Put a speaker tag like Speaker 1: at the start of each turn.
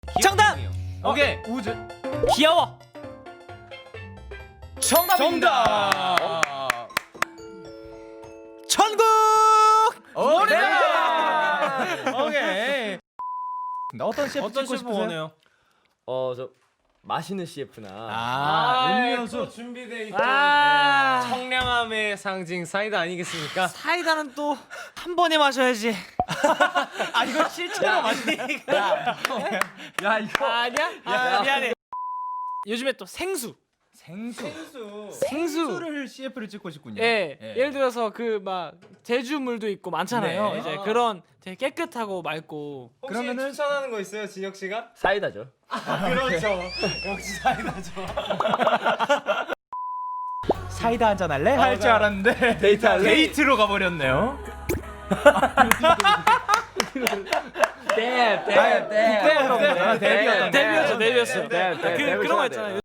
Speaker 1: 정답!
Speaker 2: 오케이.
Speaker 3: 우즈.
Speaker 1: 귀여워.
Speaker 3: 정답입니다.
Speaker 1: 천국.
Speaker 3: 오케이.
Speaker 2: 오케이.
Speaker 3: 어떤 셰프
Speaker 2: 어떤
Speaker 3: 찍고
Speaker 2: 셰프
Speaker 3: 싶으세요?
Speaker 2: 원해요?
Speaker 4: 저 마시는 CF나
Speaker 3: 음료수.
Speaker 2: 준비돼 있죠.
Speaker 1: 아.
Speaker 2: 청량함의 상징 사이다 아니겠습니까?
Speaker 1: 사이다는 또 한 번에 마셔야지.
Speaker 3: 아 이거 실제로 마시니까. 야 이거
Speaker 1: 아니야? 아, 미안해. 요즘에 또 생수.
Speaker 3: 생수를 CF를 찍고 싶군요.
Speaker 1: 예. 예를 들어서 그 막 제주물도 있고 많잖아요.
Speaker 3: 네.
Speaker 1: 이제 그런 되게 깨끗하고 맑고.
Speaker 2: 혹시
Speaker 3: 그러면은-
Speaker 2: 추천하는 거 있어요, 진혁 씨가?
Speaker 4: 사이다죠.
Speaker 2: 그렇죠. 역시 사이다죠.
Speaker 3: 사이다 한잔 할래? 할 줄 알았는데
Speaker 4: 데이트할래?
Speaker 3: 데이트로 가버렸네요.
Speaker 1: 데뷔였어.
Speaker 3: 데뷔였어.
Speaker 1: 그런 거 있잖아요.